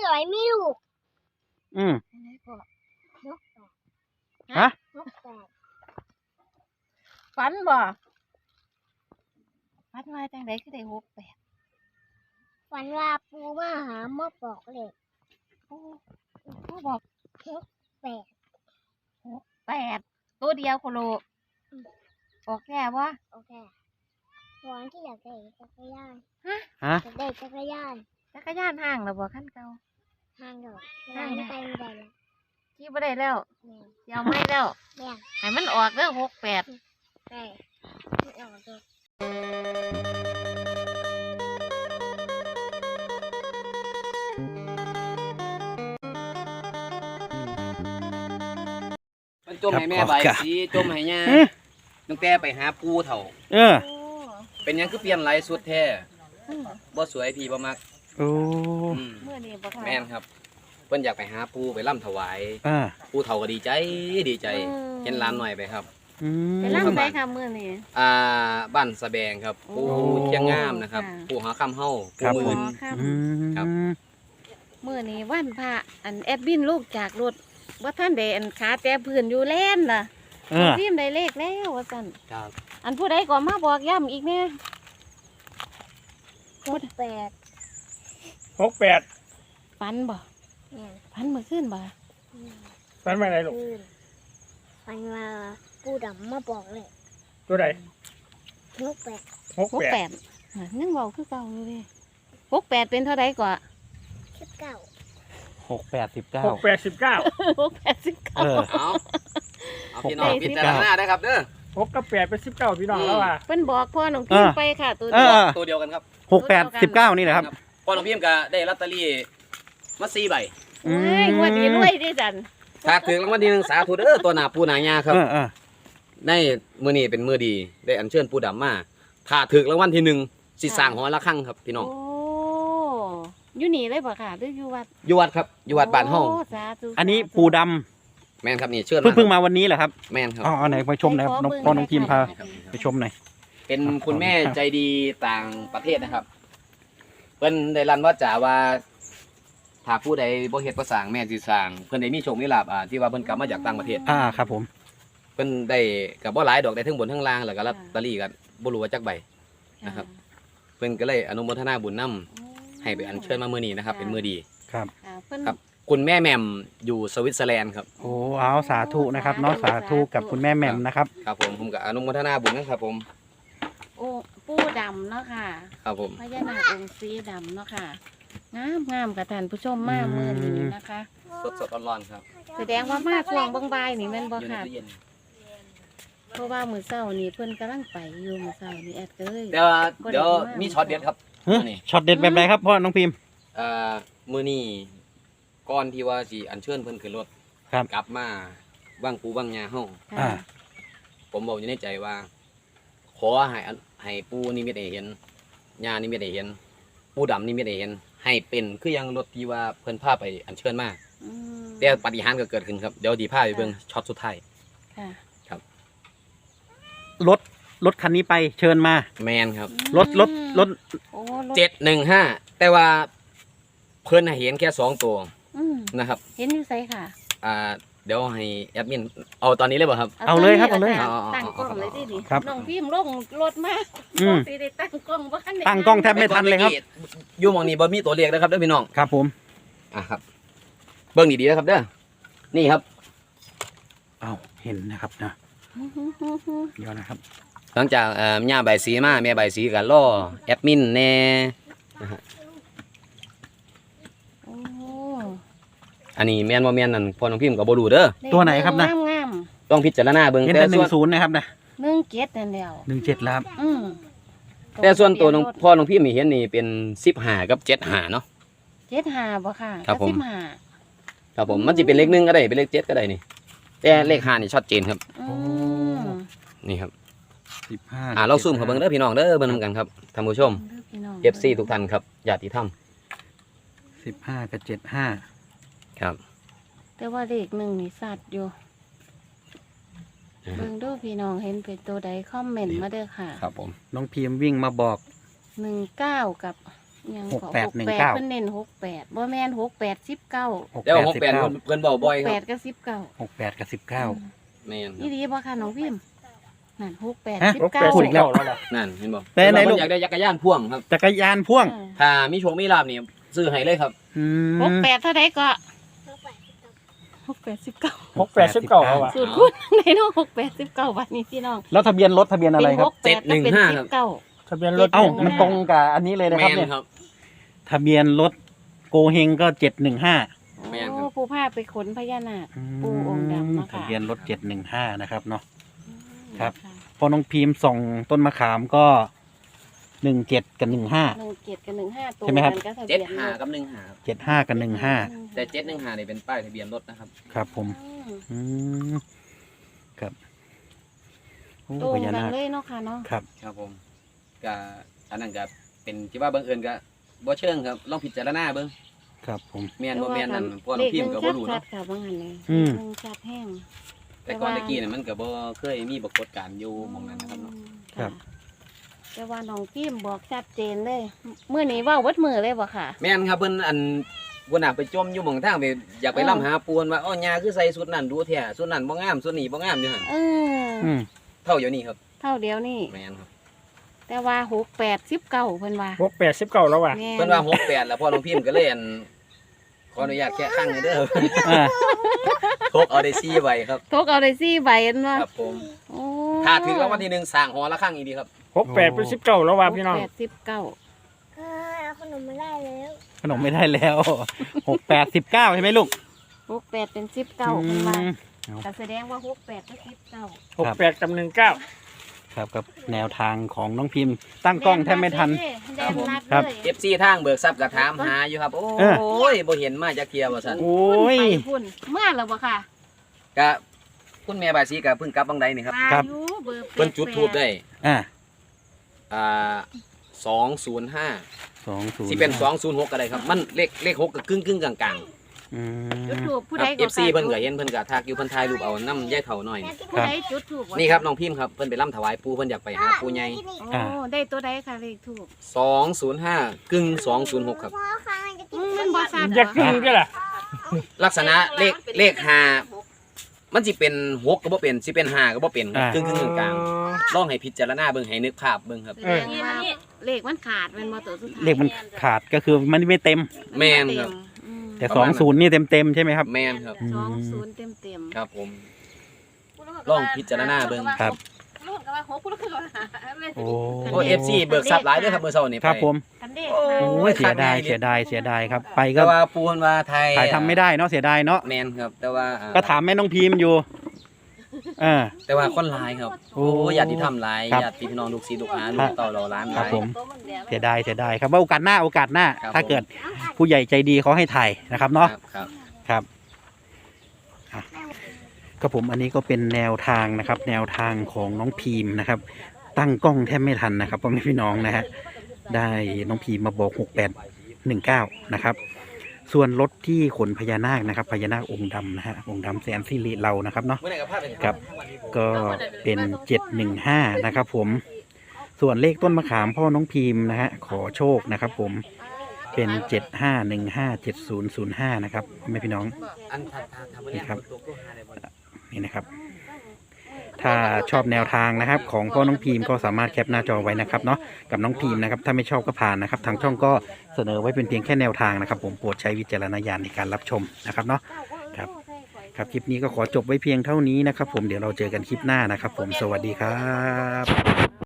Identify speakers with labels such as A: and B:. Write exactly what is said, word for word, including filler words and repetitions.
A: ต่อยไม่ลูก
B: อืม
A: นกแปด
B: ฮะ
A: นกแปด
C: ฝันบ่ฝันว่าจังไดคือได้หกแปด
A: ฝันว่าปูมาหามาบอกเลย
C: ปูปูบอก
A: นกแปด
C: หกแปดตัวเดียวโคโลออกแก่บ่
A: โอเควันที่อยากได้จักรยาน
C: ฮะ
B: ฮะ
A: อยากได้จักรยาน
C: จักรยานห้างแล้วบ่คันเก่า
A: ทางดอกทางไม่ไปไม่ได้เลย
C: ขี่บ่ได้แล้ว
A: แม่
C: สิเอาไม่แล้ว
A: แม่
C: ให้มันออกเด้อหกแปด
A: แม่ไม่เอาตัว
D: มันจมให้แม่ใบสีจมให้ย่าตั้งแต่ไปหาปูเถ่า
B: เออ
C: โอ้
D: เป็นหยังคือเปลี่ยนไรสุดแท้บ่สวยพี่บ่มัก
B: โอ้
D: อืม
C: มื้อนี้บ่ค่ะ
D: แม่นครับเพิ่นอยากไปหาปูไปร่ำถวาย
B: อ่า
D: ปูเถ่าก็ดีใจดีใจเห็นหลานหน่อยไปครับ
B: อืม
C: ไปลำไสค่ะมื้อนี้
D: อ่าบ้านสะแบงครับปู
C: โอ้
D: เชียงงามนะครับ
C: ค่ะ
D: ปูหาค่ำเฮา
B: ครั
D: ปู
B: บ
D: หมื่น
C: ค่ะ
B: อืม
D: ครับ
C: มื้อนี้วันพระอันแอดบินลูกจากรถว่าท่านได้อันขาแต่พื้นอยู่แล่นน่ะ
B: เออ
C: พิมพ์ได้เลขแล้วว่าซั่น
D: ครับ
C: อันผู้ใดก็มาบอกย้ำอีกแน่
A: นกแปด
E: หกแปด
C: ฝันบ่
A: แม่
C: ฝันเมื่อคืนบ่
E: ฝันว่าอะไรลูก
A: คืนฝันว่าปูดำมาบอกเลย
E: ตัวใด
A: นกแปด
E: หก
C: หก
E: แปด
C: แปดน่ะยังเว้าคือเก่าอยู่เด้หกแปดเป็นเท่าใดกว่า
A: สิบเก้า
B: หกแปดสิบเก้า
E: หกแปดสิบเก้า
C: หกแปดสิบเก้า
B: เออ
D: เอาเอาพี่น้อง
C: หกแปดสิ
D: พิ
C: บ
D: จา
C: เก้า
D: รณาได้ครับเด้อ
E: หกกับแปดเป็นสิบเก้าพี่น้องแล้วว่ะ
C: เพิ่นบอกพ่อน้องพิมพ์ไปค่ะตัว
B: เอ
C: เดียว
B: อ
D: ตัวเดียวกันครับ
B: หกแปดสิบเก้านี่แหละครับ
D: พ่อน้องพิมพ์ก็ได้ลอตเตอรี่มาสี่ใบ
C: โอ้ยงวดนี้รวยดิจัน
D: ถ้าถึงรางวัลที่หนึ่งสาธุเด้อตัวหน้าปูหน้ายาครับ
B: เออเออ
D: ในมื้อนี้เป็นมื้อดีได้อัญเชิญปูดำมาถ้าถึกรางวัลที่หนึ่งสิสร้างหอละครั้งครับพี่น้อง
C: โอ้อยู่นี่เลยบ่ค่ะหรืออยู่วัด
D: อยู่วัดครับอยู่วัดบ้านเฮา
C: โสาธุ
B: อันนี้ปูด
D: แม่นครับนี่เชิญ
B: ำเพิ่ง
D: มา
B: เพิ่งมาวันนี้แหละครับ
D: แม่นครับ
B: อ๋อไหนไปชมหน่อยครับน้องพ่อน้องพิมพ์พา
D: ครับ
B: ไปชมหน่อย
D: เป็นคุณแม่ใจดีต่างประเทศนะครับเพิ่นได้รันว่าจ๋าว่าถ้าผู้ใดบ่เฮ็ดบ่สร้างแม่สิสร้างเพิ่นได้มีโชคมีลาภอ่าที่ว่าเพิ่นกลับมาจากต่างประเทศ
B: อ่าครับผม
D: เพิ่นได้ก็บ่หลายดอกได้ทั้งบนทั้งล่างแล้วก็ลอตเตอรี่ก็บ่รู้ว่าจักใบ นะครับ เพิ่นก็เลยอนุโมทนาบุญนำให้ไปอัญเชิญมามื้อนี้นะครับ เป็นมื้อดี
B: ครับ
C: ค่ะเพิ่น
D: ครับ คุณแม่แหม่มอยู่สวิตเซอร์แลนด์ครับ
B: โอ้เอาสาธุนะครับเนาะสาธุกับคุณแม่แหม่มนะครับ
D: ครับผมผมก็อนุโมทนาบุญนะครับผม
C: โอ้ปูดำเนาะค่ะ
D: ครับผม
C: พญานาคองค์สีดำเนาะค่ะงามงามกับท่านผู้ชมมากมือนี้นะคะ
D: สดสดๆร้อนๆครับ
C: แสดงว่ามาช่วงบางบ่ายนี่แม่นบ่
D: อยู่ใน
C: ค่ะ
D: ตู้เย็น
C: เพราะว่ามื้อเช้านี่เพิ่นกำลังไปอยู่มื้อเช้านี่แอดก็เลย
D: เดี๋ยวเดี๋ยวมีช็อตเด็ดครับ
B: เฮ้ย
D: นี่
B: ช็อตเด็ดแบบไหนครับพ่อน้องพิมพ์
D: เอ่อมื้อนี้ก่อนที่ว่าสิอัญเชิญเพิ่นขึ้นรถ
B: ครับ
D: กลับมาว่างปูว่างยาเฮา
B: อ่า
C: ค่ะ
D: ผมบอกอยู่ในใจว่า ขอให้อันให้ปูนิมิตให้เห็นยานิมิตให้เห็น ปูดำนิมิตให้เห็น ให้เป็นคือยังรถที่ว่าเพิ่นพาไปอัญเชิญมา
C: อืม
D: แต่ปาฏิหาริย์ก็เกิดขึ้นครับเดี๋ยวดีพาไปเบิ่งช็อตสุดท้าย
C: ค่ะ
B: รถรถคันนี้ไปเชิญมา
D: แมนครับ
B: รถรถรถ
C: โอ้รถ
D: เจ็ดหนึ่งห้าแต่ว่าเพิ่นให้เห็นแค่สองตัว
C: อืม
D: นะครับ
C: เห็นอยู่ไสค่ะ
D: อ่าเดี๋ยวให้แอดมินเอาตอนนี้เลยบ่ครับ
B: เอาเลยครับ
C: ตนนี้
B: เอาเลย
C: ล่ะค่ะ
D: เอา
C: ตั้งกล้องเลยดิดิ
B: ครับ
C: น้องพิมพ์ลงรถมา
B: อืม
C: สิได้ตั้งกล้องบ่ทันได้
B: ตั้งกล้องแทบไม่ทันเลยครับ
D: อยู่หมองนี้บ่มีตัวเลขนะครับเด้อพี่น้อง
B: ครับผม
D: อ่ะครับ เบิ่งดีๆนะครับเด้อนี่ครับ
B: เอาเห็นนะครับนะ
C: ฮึฮึฮึฮึ
B: เดี๋ยวนะครับ
D: หลังจากเอ่อย่าใบสีมาแม่ใบสีก็ล่อแอดมินแน่
C: โอ้
D: อันนี้แม่นบ่แม่นนั่นพ่อน้องพิมพ์ก็บ่รู้เด้อ
B: ตัวไหนครับนะ
C: งามงาม
D: ต้องพิจารณาเบิ่ง
B: เห็น
D: แต่
B: แต่ห
D: ส่
B: นึ่
D: วน
B: งศูนย์นะครับนะ
C: หนึ่งเจ็ดนั่นแล้ว
B: หนึ่งเจ็ดแล้วครับ
C: อืม
D: แต่ส่วนตัวน้องพ่อน้องพิมพ์นี่เห็นนี่เป็นสิบห้ากับเจ็ดห้าเนาะ
C: เจ็ดห้าบ่ค่ะ
D: ครับผม
C: สิบห้า
D: ครับผมมันสิเป็นเลขหนึ่งก็ได้เป็นเลขเจ็ดก็ได้นี่แต่เลขห้านี่ชัดเจนครับ
C: อืม
D: นี่ครับ
B: สิบห้า
D: อ่าเราซูมเข้าเบิ่งเด้อพี่น้องเด้อเบิ่งนำกันครับท่านผู้ชม
C: พี่น้ง
D: เอฟ ซี ทุกท่านครับญาติธรรม
B: สิบห้ากับเจ็ดห้า
D: ครับ
C: แต่ว่าเลขหนึ่งนี่สัตว์อยู่เบิ่งดูพี่น้องเห็นเป็นตัวใดคอมเมนต์มาเด้อค่ะ
D: ครับผม
B: น้องพิมพ์วิ่งมาบอก
C: หนึ่งเก้ากับยัง
B: หกแปดหนึ่งเก้า
C: เพิ่นเน้นหกแปดบ่แม่นหกแปดสิบเก้า
D: เดี๋ยวหก
B: สิบ
D: แปด
B: เก้า
D: เพิ่นเว้าบ่อยค
C: แป
D: รั
C: ด
D: บ
C: กับสิบเก้า
B: หกแปดกับสิบเก้า
D: แม่นครั
C: นี่
D: บ
C: ดีบ่ค่ะน้องพิมพ์นั่นหกแปด
B: ฮะ
C: สิบ
E: หก
C: เก้า
E: แปด
B: พูด
E: สิ
B: อี
E: บ
B: กแล้ว
E: เก้าแล้วล่ะ
D: นั่นเห็นบ่
B: แต่ไหนลูก
D: เพิ่อยากได้จักรยานพ่วงครับ
B: จักรยานพ่วง
D: ถ้ามีโชคมีลาภนี่ซื้อให้เลยครับ
B: อืม
C: หกแปดเท่าใดก็
A: หกแปดสิบเก้า
C: หกแปดสิบเก้า
E: หกแปดสิบเก้าแล้วว่ะ
C: สูตรคุณในน้องหกแปดสิบเก้าวันนี้พี่น้อง
B: แล้วทะเบียนรถทะเบียนอะไร
C: เป็น
B: ครั
C: ห
B: บ
C: กแปดก็เป็นสิบเก้า
E: ทะเบียนรถ
B: เอ้ามันตรงกับอันนี้เลยนะค
D: แม่
B: รับ
D: น
B: เนี่ย
D: ครับ
B: ทะเบียนรถโกเฮงก็เจ็ดหนึ่งห้า
D: แม่นครับ
C: โอ้ผู้พาไปขนพญานาค ปู่องค์ดำเนาะค่ะ
B: ทะเบียนรถเจ็ดหนึ่งห้านะครับเนาะ ครับ
C: ะ
B: พอน้องพิมพ์ส่องต้นมะขามก็หนึ่งเจ็ดกับหนึ่งห้า
C: หนึ่งเจ็ดกับหนึ่งห้าตัว
B: ใช่ไหมครับ
C: กันก็ทะ
D: เจ็
C: เบี
D: ด
C: ยน
D: ห้ากับหนึ่งห้าครับ
B: เจ็ดห้ากับหนึ่งห้า
D: แต่เจ็ดหนึ่งห้านี่เป็นป้ายทะเบียนรถนะครับ
B: ครับผม
C: อืม
B: อืมครับโอ้
C: ตรง
B: พญา
C: กัน
B: นาค
C: เลยเนาะค่ะเนาะ
B: ครับ
D: ครับผมก็อันนั้นก็เป็นที่ว่าบังเอิญก็บ่เชิงครับลองพิจารณาเบิ่ง
B: ครับผม
D: แม่นบ่แม่นนั่นพวกน้องพิมพ์ก็บ่รู้
C: เลขหนึ่งชั
D: เนาะ
C: ดๆค่ะบางอันเลย
B: อืม
C: หนึ่งชัดแห้ง
D: แต่ก่อนตะกี้น่ะมันก็บ่เคยมีปรากฏการณ์อยู่หม่องนั้นนะครับเนาะ
B: ครับ
C: ะแต่ว่าน้องพิมพ์บอกชัดเจนเลยเมื่อนี้เว่าวัดมือเลยบ่ค่ะ
D: แม่นครับเพิ่นอันบ่น่าไปจมอยู่หม่องทางไปอยากไป
C: เออ
D: ล่ำหาปูนว่าอ้อยาคือใส่สุดนั้นดูแท้สุดนั้นบ่งามสุดนี้บ่งามอยู่หั่น
C: เออ
B: อืม
D: เท่าอยู่นี่ครับ
C: เท่าเดียวนี่
D: แม่นครับ
C: แต่ว่าหกแปดสิบเก้าเพิ่นว่า
E: หกแปดสิบเก้าแล้วว่ะ
C: แม่
D: เพิ่นว่าหกแปดแล้วพ่อน้องพิมพ์ก็เลยอันขออนุญาตแค่ข้างหนึงเด้อ
B: อ่า
D: พกเอาได้ซี่ใบครับ
C: ทกเอาได้สี่ใบเห็นว่า
D: ครับผม
C: โอ้
D: ถ้าถึงรางวัลที่หนึ่งสร้างหอละข้างอีกดีครับ
E: หกแปดเป็นสิบเก้าแล้วว่ะพี่น้อง
C: หกแปดสิบเก้า
A: เออเอาขนมมาได้แล้ว
B: ขนมไม่ได้แล้วหกแปดสิบเก้าใช่ไหมลูก
C: หกแปดเป็นสิบเก้าเพิ่นว่า
B: อืม
C: แต่แสดงว่าหกแปดก็สิบเก้า
E: หกแปดกับหนึ่งเก้า
B: ครับกับแนวทางของน้องพิมพ์ ตั้งกล้องแทบไม่ทัน
C: แดงรัด
B: ครับ
C: เลย
D: เอฟซีทางเบิกทรัพย์ก็ถามหาอยู่ครับ โอ้
B: เออ
D: ยบ่เห็นมาจากเทียว่าซั่น
B: โอ้ย
C: ไปพุ่นเมื่อแล้วบ่ค่ะ
D: ก็คุณแม่บายสีก็เพิ่งกลับบางใดนี่ครับ
C: มา
B: ครับ
C: อยู่เบอร์แป
D: เพิ่นจุดทูบได้
B: อ่า
D: อ่าสองศูนย์ห้า
B: สองศูนย์
D: สิเป็นสองศูนย์หกก็ได้ครับ มันเลขเลขหกก็กึ่งกึ่งๆกลาง
B: อื
C: จุด
B: ม
C: ถูกผู้
D: ๆค
C: ใด
D: รับ
C: ก็
D: เอฟซีเพิ่นก็เห็นเพิ่นก็ทักอยู่เพิ่นถ่ายรูปเอาน้ำยายเฒ่าหน่อยนี่
C: ผู้ใดจุดถูก
D: นี่ครับน้องพิมพ์ครับเพิ่นไปร่ำถวายปู่เพิ่นอยากไปหาปู่ใหญ่
C: โอ้ได้ตัวใดค่ะเลขถูก
D: สองศูนย์ห้ากึ่งสองศูนย์หกครับ
A: พ่อค่ะมันจะกิ
C: อื
A: น
C: มมันบ่ซัด
E: อยากกินก็ล่ะ
D: ลักษณะเลขเลขห้ามันสิเป็นหกก็บ่เป็นสิเป็นห้าก็บ่เป็นครับกึ่งกึ่งๆกลางๆลองให้พิจารณาเบิ่งให้นึกภาพเบิ่งครับ
C: แสดงว่าเลขมันขาดเป็นบ่ตัวสุดท้าย
B: เลขมันขาดก็คือมันไม่เต็ม
D: แม่นครับ
C: อืม
B: แต่
D: ประ
B: สอ
D: มาณ
B: ง
D: นั้น
B: ศูนย์นี่เต็มเต็มๆใช่ไหมครับ
D: แม่นครับ
C: สองศูนย์เต็มเต็มๆ
D: ครับผม ลองพิจารณาเบิ่ง
B: ครับ
C: ลูกก็ว่าหกลูกก็ว่า
B: โอ้
D: โอ้ เอฟซี เบิกทรัพย์หลายเด้อครับมื้อเช้านี่
B: ครับ
D: ไป
B: ผม
C: กันเด้
D: โอ้
B: โอ้ยเสียดายเสียดายเสียดายครับ ไปก็
D: แต่ว่าปูนว่าไทย
B: ถ่ายทำไม่ได้เนาะเสียดายเนาะ
D: แม่นครับ แต่ว่าอ่
B: ก็ถามแม่น้องพิมพ์อยู่เอ่า
D: แต่ว่าคนหลายครับ
B: โอ้
D: โอ้ญาติธรรมหลาย
B: ครับ
D: ญาติพี่น้องลูกศิษย์ลูกหาลูกเต่าเราล้านห
B: ครับ
D: ลาย
B: ผม เสียดายเสียดายครับว่าโอกาสหน้าโอกาสหน้า
D: ครับ
B: ถ้าเกิดผู้ใหญ่ใจดีเขาให้ถ่ายนะครับเนาะ
D: ครับ
B: ครับอ่ะก็ผมอันนี้ก็เป็นแนวทางนะครับ แนวทางของน้องพีมนะครับ ตั้งกล้องแทบไม่ทันนะครับพ่อแม่พี่น้องนะฮะได้น้องพีมมาบอกหกแปดหนึ่งเก้านะครับ ส่วนรถที่ขนพญานาคนะครับพญานาคองค์ดำนะฮะองค์ดำแสนสิริเรานะครับเนาะ
D: เมื่อไหร่กับภาพเป็น
B: ครับ ก็เป็นเจ็ดหนึ่งห้านะครับ ผมส่วนเลขต้นมะขามพ่อน้องพีมนะฮะขอโชคนะครับ ผมเป็นเจ็ดห้าหนึ่งห้าเจ็ดศูนย์ศูนย์ห้านะครับพ่อแม่พี่น้อง
D: อันทันทันทัน
B: นี่ครับ
D: ตัวตัวหาได้บ่
B: นี่นะครับ ถ้าชอบแนวทางนะครับ ของพ่อน้องพีมก็สามารถแคปหน้าจอไว้นะครับเนาะกับน้องพีมนะครับ ถ้าไม่ชอบก็ผ่านนะครับ ทางช่องก็เสนอไว้เป็นเพียงแค่แนวทางนะครับ ผมโปรดใช้วิจารณญาณในการรับชมนะครับเนาะครับ ครับคลิปนี้ก็ขอจบไว้เพียงเท่านี้นะครับ ผมเดี๋ยวเราเจอกันคลิปหน้านะครับ ผมสวัสดีครับ